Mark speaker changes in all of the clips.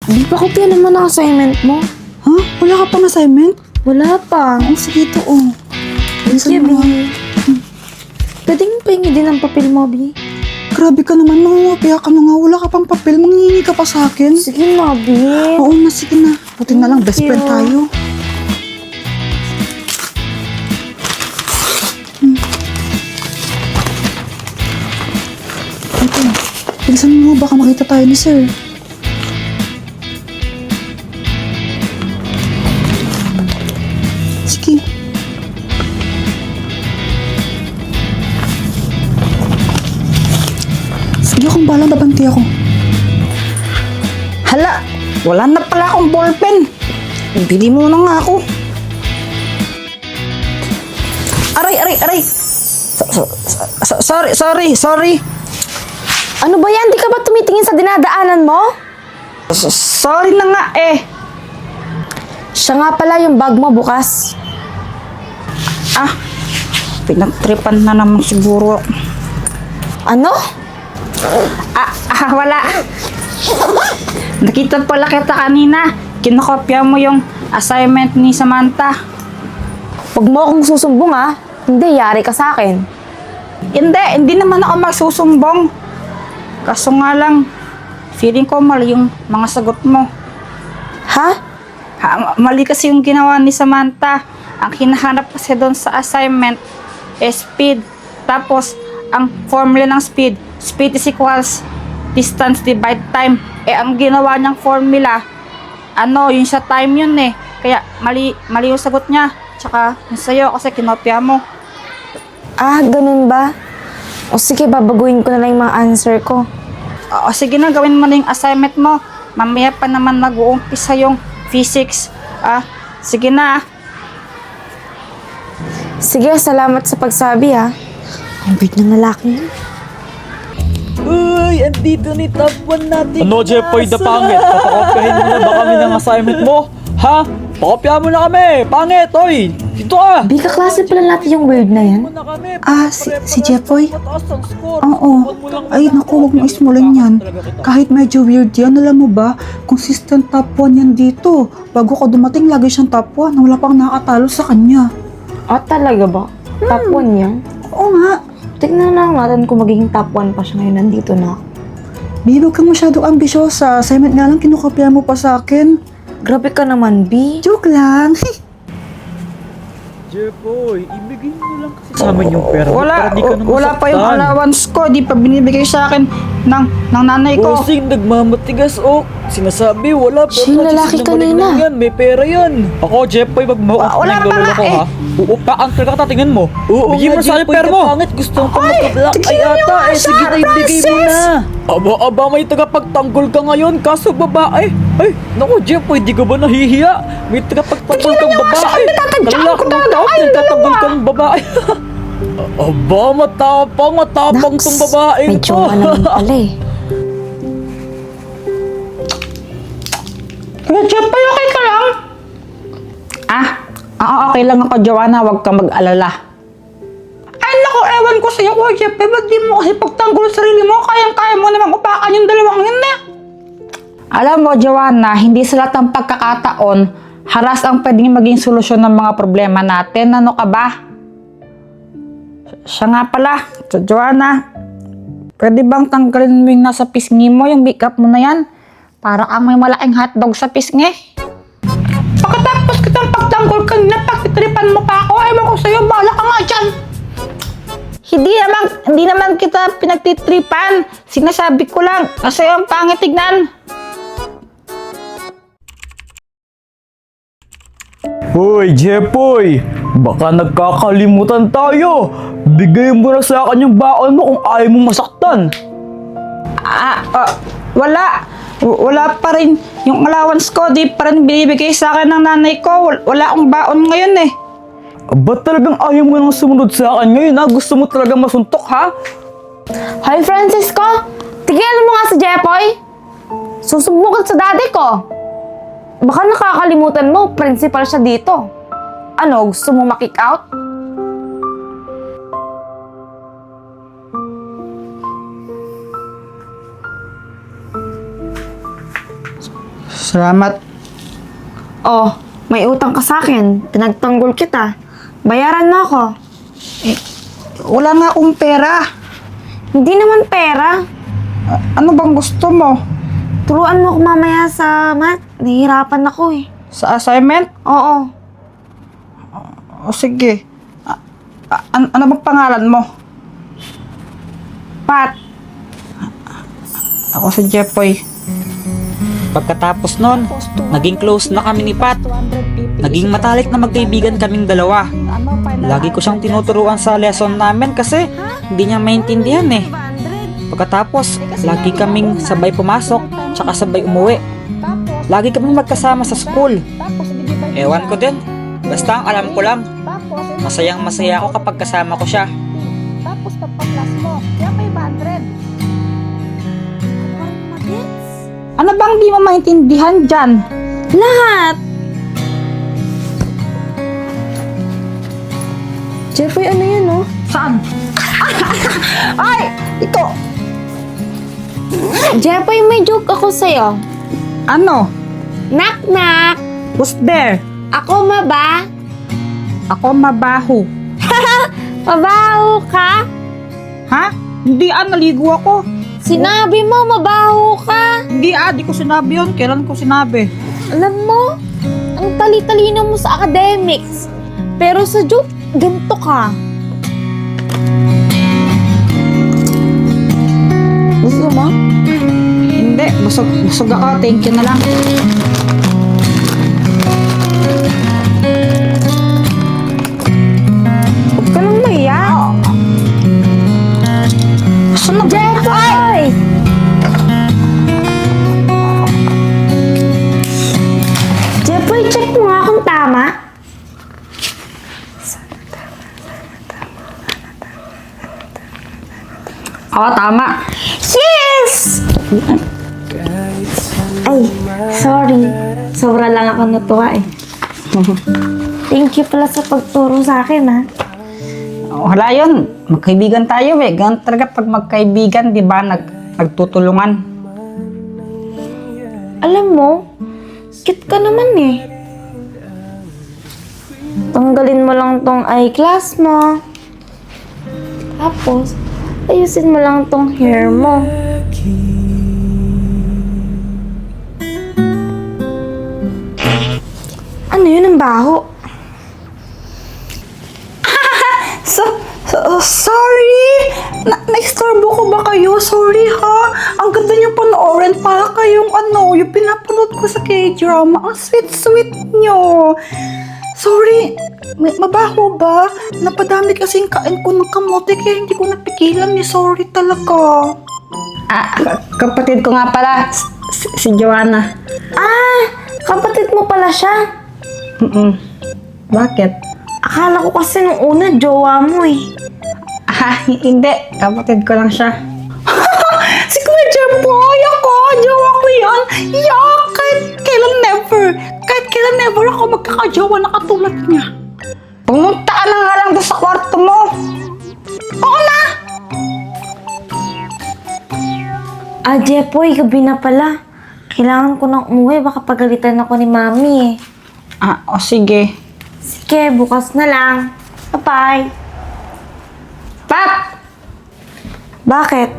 Speaker 1: Di pa kopya naman ang assignment mo.
Speaker 2: Ha? Wala ka pang assignment?
Speaker 1: Wala pa.
Speaker 2: Ang sige to, oh.
Speaker 1: Thank you,
Speaker 2: Bilisan mo,
Speaker 1: Bi. Pwede mo pahingi din ang papel mo, Bi.
Speaker 2: Grabe ka naman, mangungopia ka na nga. Wala ka pang papel, manghihingi ka pa sa akin.
Speaker 1: Sige na, Bi.
Speaker 2: Oo na, sige na. Buti na lang, best
Speaker 1: Thank
Speaker 2: friend
Speaker 1: you.
Speaker 2: tayo. Ito, bilisan mo, baka makita tayo ni sir. Sige. Sige akong balang, babanti ako. Hala, wala na pala akong ballpen. Bili mo na nga ako. Aray. Sorry.
Speaker 1: Ano ba yan? Di ka ba tumitingin sa dinadaanan mo?
Speaker 2: Sorry na nga eh.
Speaker 1: Siya nga pala yung bag mo bukas.
Speaker 2: Pinagtripan na naman siguro.
Speaker 1: Ano?
Speaker 2: Wala. Nakita pala kita kanina. Kinokopya mo yung assignment ni Samantha.
Speaker 1: Huwag mo akong susumbong ha. Hindi, yari ka sa akin.
Speaker 2: Hindi naman ako magsusumbong. Kaso nga lang, feeling ko mali yung mga sagot mo.
Speaker 1: Ha?
Speaker 2: Mali kasi yung ginawa ni Samantha. Ang hinahanap kasi doon sa assignment is speed. Tapos, ang formula ng speed is equals distance divide time. Ang ginawa niyang formula, yung sa time yun eh. Kaya, mali yung sagot niya. Tsaka, yung sa'yo kasi kinopya mo.
Speaker 1: Ganun ba? O sige, babaguhin ko na lang yung mga answer ko.
Speaker 2: Sige na, gawin mo na yung assignment mo. Mamaya pa naman mag-uumpisa yung physics. Sige na.
Speaker 1: Sige, salamat sa pagsabi ha. Ang weird ng lalaki yun.
Speaker 3: Uy, andito ni top 1 natin.
Speaker 4: Ano, Jeffoy, the pangit? Papakopyahin mo na ba kami ng assignment mo? Ha? Pakopya mo na kami! Pangit, oy! Dito ka!
Speaker 1: Bi, kaklase pala natin yung weird na yan.
Speaker 2: Si Jeffoy? Oo. Ay, naku, huwag mo ismulan yan. Kahit medyo weird yan, alam mo ba, consistent top 1 yan dito. Bago ka dumating, lagi siyang top 1 na wala pang nakatalo sa kanya.
Speaker 1: Talaga ba? Top 1 yan?
Speaker 2: Oo nga.
Speaker 1: Tignan na natin kung magiging top 1 pa siya ngayon. Nandito na ako.
Speaker 2: Babe, huwag kang masyadong ambisyosa. Assignment nga lang, kinukopya mo pa sa akin.
Speaker 1: Grabe ka naman, B.
Speaker 2: Joke lang.
Speaker 4: Jeffoy, ibigay mo lang kasi sa amin yung pera.
Speaker 2: Wala pa yung allowance ko. Di pa binibigay sa akin ng nanay ko.
Speaker 3: Bossing, nagmamatigas, oh. Sinasabi, wala.
Speaker 1: Siya yung lalaki kanina.
Speaker 3: Yan, may pera yan.
Speaker 4: Ako, Jeffoy, magmukha
Speaker 2: Wala
Speaker 4: ng
Speaker 2: pa
Speaker 4: lolo
Speaker 2: nga
Speaker 4: ko,
Speaker 2: eh.
Speaker 4: ha? Uupa, ang talaga tingnan mo.
Speaker 3: Oo
Speaker 4: Bigyan mo
Speaker 3: nga,
Speaker 4: sa akin
Speaker 3: Jeffoy,
Speaker 4: pera mo.
Speaker 3: kapangit. Gusto ko magka-black
Speaker 2: tignan
Speaker 3: ay
Speaker 2: niyo
Speaker 3: ata.
Speaker 2: nga
Speaker 3: Sige
Speaker 2: siya,
Speaker 3: na, ibigay mo
Speaker 2: Francis!
Speaker 3: na.
Speaker 4: Aba, may tagapagtanggol ka ngayon, kaso babae. Ay, naku, Jeffoy, di ka ba nahihiya? May tagapagtanggol kang
Speaker 2: niyo nga siya,
Speaker 4: babae.
Speaker 2: pinatadyakan ko
Speaker 4: Lalaki
Speaker 2: talaga.
Speaker 4: tao,
Speaker 2: Ay,
Speaker 4: nagtatanggol
Speaker 2: dalawa.
Speaker 4: kang babae. Aba, matapang
Speaker 1: Naks,
Speaker 4: tong babaeng
Speaker 1: may
Speaker 4: to.
Speaker 1: tsunga naman pala eh.
Speaker 2: Kuya Jeffoy, okay ka lang? Okay lang ako, Joanna. Huwag kang mag-alala. Ay, naku, ewan ko sa'yo, Kuya Jeffoy. Ba't di mo kasi pagtanggol sa sarili mo? Kayang-kaya mo namang upakan yung dalawang yun eh. Alam mo, Joanna, hindi sa lahat ng pagkakataon, haras ang pwedeng maging solusyon ng mga problema natin. Ano ka ba? Siya nga pala, Joanna, pwede bang tanggalin mo yung nasa pisngi mo, yung makeup mo na yan? Para kang may malaking hotdog sa pisngi. Pagkatapos kitang pagtanggol kanina, pagtitripan mo pa ako, ewan ko sa'yo, bahala ka nga dyan. Hindi naman kita pinagtitripan. Sinasabi ko lang, kasi ang pangit tignan.
Speaker 4: Hoy, Jeffoy! Baka nagkakalimutan tayo! Bigay mo na sa akin yung baon mo kung ayaw mong masaktan!
Speaker 2: Wala pa rin yung allowance ko. Di pa rin binibigay sa akin ng nanay ko. Wala akong baon ngayon eh.
Speaker 4: Ba't talagang ayaw mo nang sumunod sa akin ngayon, ha? Gusto mo talagang masuntok, ha?
Speaker 1: Hoy, Francisco! Tigilan mo nga si Jeffoy! Susubukan sa daddy ko! Baka nakakalimutan mo, principal siya dito. Ano, gusto mo ma-kick out?
Speaker 2: Salamat.
Speaker 1: Oh, may utang ka sa akin. Pinagtanggol kita. Bayaran mo ako.
Speaker 2: Wala nga akong pera.
Speaker 1: Hindi naman pera.
Speaker 2: Ano bang gusto mo?
Speaker 1: Turuan mo ako mamaya sa math. Nahihirapan ako eh.
Speaker 2: Sa assignment?
Speaker 1: Oo.
Speaker 2: O sige. Ano bang pangalan mo?
Speaker 1: Pat,
Speaker 2: Ako si Jepoy.
Speaker 3: Pagkatapos nun, naging close na kami ni Pat. Naging matalik na magkaibigan kaming dalawa. Lagi ko siyang tinuturuan sa lesson namin kasi hindi niya maintindihan eh. Pagkatapos, lagi kaming sabay pumasok, tsaka sabay umuwi. Lagi kaming magkasama sa school. Ewan ko din. Basta ang alam ko lang, masayang masaya ako kapag kasama ko siya.
Speaker 2: Tapos pagpa-class mo, kaya 500. Ano bang di mo maintindihan dyan?
Speaker 1: lahat! Jeffrey, ano yan oh?
Speaker 2: Saan? Ay! Ito!
Speaker 1: Jeffrey, may joke ako sa'yo.
Speaker 2: Ano?
Speaker 1: Knock knock!
Speaker 2: Who's there?
Speaker 1: Ako maba?
Speaker 2: Ako mabaho.
Speaker 1: Mabaho ka?
Speaker 2: Ha? Hindi naligo ako.
Speaker 1: Sinabi mo, mabaho ka.
Speaker 2: Hindi di ko sinabi yun. Kailan ko sinabi?
Speaker 1: Alam mo, ang tali-talino mo sa academics. Pero sa joke, ganito ka. Gusto mo?
Speaker 2: Hindi. Busog ako. Thank you na lang.
Speaker 1: Huwag ka lang maya.
Speaker 2: Sunod.
Speaker 1: Jeffoy! Jeffoy, check mo nga kung tama.
Speaker 2: Oo, tama.
Speaker 1: Yes! Ay, sorry. Sobra lang ako natuwa eh. Thank you pala sa pagturo sa akin ha.
Speaker 2: Wala yun. Magkaibigan tayo eh. Ganun talaga pag magkaibigan, di ba? Nagtutulungan.
Speaker 1: Alam mo, cute ka naman eh. Tanggalin mo lang tong eyeglass mo. Tapos, ayusin mo lang tong hair mo. Ano yun ang baho?
Speaker 2: Sorry! Na-istorbo ko ba kayo? Sorry ha! Ang ganda niyong panoorin para kayong yung pinapanood ko sa K-drama. Ang sweet-sweet niyo! Sorry! Mabaho ba? Napadami kasing kain ko ng kamote kaya hindi ko napigilan eh. Sorry talaga. Kapatid ko nga pala, si Joanna.
Speaker 1: Ah, kapatid mo pala siya.
Speaker 2: Bakit?
Speaker 1: Akala ko kasi nung una, jowa mo eh.
Speaker 2: Hindi. Kapatid ko lang siya. Si Kuya Jeboy ako! Jowa ko yun! Kahit kailan never ako magkakajowa na katulad niya. Pumunta ka na nga lang doon sa kwarto mo. Oo na!
Speaker 1: Jepoy, gabi na pala. Kailangan ko nang umuwi, baka pagalitan ako ni Mami eh.
Speaker 2: O sige.
Speaker 1: Sige, bukas na lang. Bye-bye.
Speaker 2: Pap!
Speaker 1: Bakit?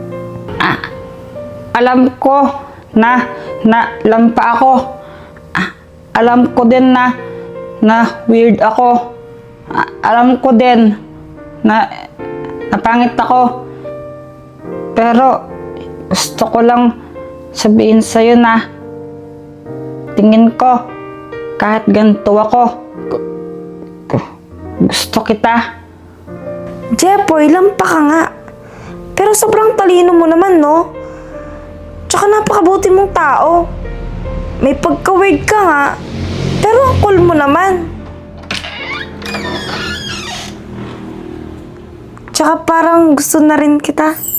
Speaker 2: Alam ko na lampa ako. Alam ko din na weird ako. Alam ko din na pangit ako. Pero gusto ko lang sabihin sa'yo na tingin ko kahit ganito ako, gusto kita.
Speaker 1: Jepoy, lampa ka nga. Pero sobrang talino mo naman, no? Tsaka napakabuti mong tao. May pagka-weird ka nga. Pero ang cool mo naman. Tsaka parang gusto na rin kita.